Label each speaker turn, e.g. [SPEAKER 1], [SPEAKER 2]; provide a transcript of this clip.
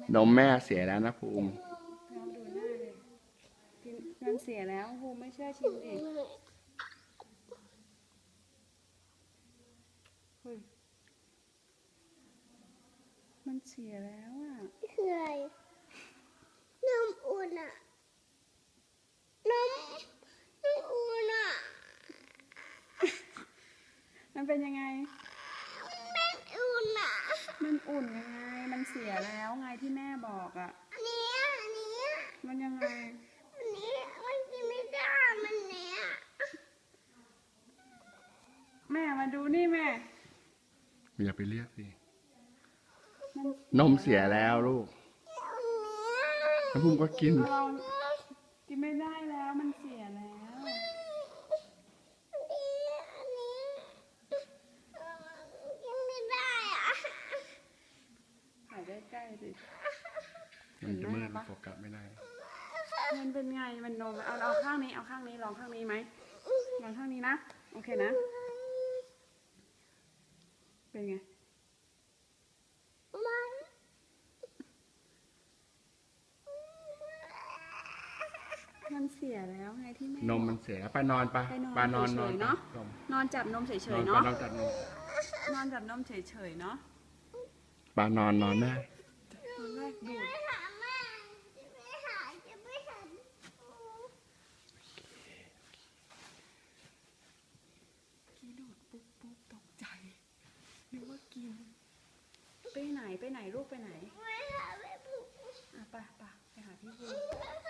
[SPEAKER 1] นมแม่เสียแล้วนะภูมิ
[SPEAKER 2] ลองดูหน้าเลยกินมันเสียแล้วภูมิไม่เชื่อชิมดิเฮ้ยมันเสียแล้วอ่ะ
[SPEAKER 3] คืออะไรนมอุ่นอ่ะนมอุ่นอ่ะ
[SPEAKER 2] มันเป็นยังไง
[SPEAKER 3] เป็นอุ่นอ่ะ
[SPEAKER 2] มันอุ่นยังไง มันเสียแล้วไงที่แม่บอกอ่ะ
[SPEAKER 3] อันนี้
[SPEAKER 2] มันยังไง
[SPEAKER 3] อันนี้มันกินไม่ได้มันเนี้ย
[SPEAKER 2] แม่มาดูนี่แม่
[SPEAKER 1] อย่าไปเรียกสิ
[SPEAKER 2] มัน
[SPEAKER 1] นมเสียแล้วลูกแล้วภูมิก็กิน
[SPEAKER 2] เรากินไม่ได้แล้วมันเสียแล้ว
[SPEAKER 3] อันนี้กินไม่ได้อ่ะ
[SPEAKER 2] ถ่ายใกล้ๆสิ
[SPEAKER 1] มันจะมืดโฟกัสไม่ได้
[SPEAKER 2] มันเป็นไง มันนมเอาข้างนี้ เอาข้างนี้ ลองข้างนี้ไหมลองข้างนี้นะ โอเคนะ เป็นไง มันเสียแล้วไงที่แม่
[SPEAKER 1] นมมันเสียแล้วไปนอนไป
[SPEAKER 2] ไปนอน
[SPEAKER 1] นอน
[SPEAKER 2] เฉยๆเนอะ
[SPEAKER 1] นม
[SPEAKER 2] นอนจับนมเฉ
[SPEAKER 1] น
[SPEAKER 2] ย
[SPEAKER 1] อน
[SPEAKER 2] ๆ
[SPEAKER 1] ไป
[SPEAKER 2] เนาะ
[SPEAKER 1] นอนจัดนม
[SPEAKER 2] นอนจับนมเฉยๆเนาะ
[SPEAKER 1] ปานอนแม่
[SPEAKER 2] ตอนแรกดูด
[SPEAKER 3] ไปหาแม่จะไปหา
[SPEAKER 2] กี้ดูดปุ๊บตกใจนึกว่ากิน ไปไหนลูกไปไหน
[SPEAKER 3] ไปหาแม่ปุ๊บ
[SPEAKER 2] ไปหาพี่ภู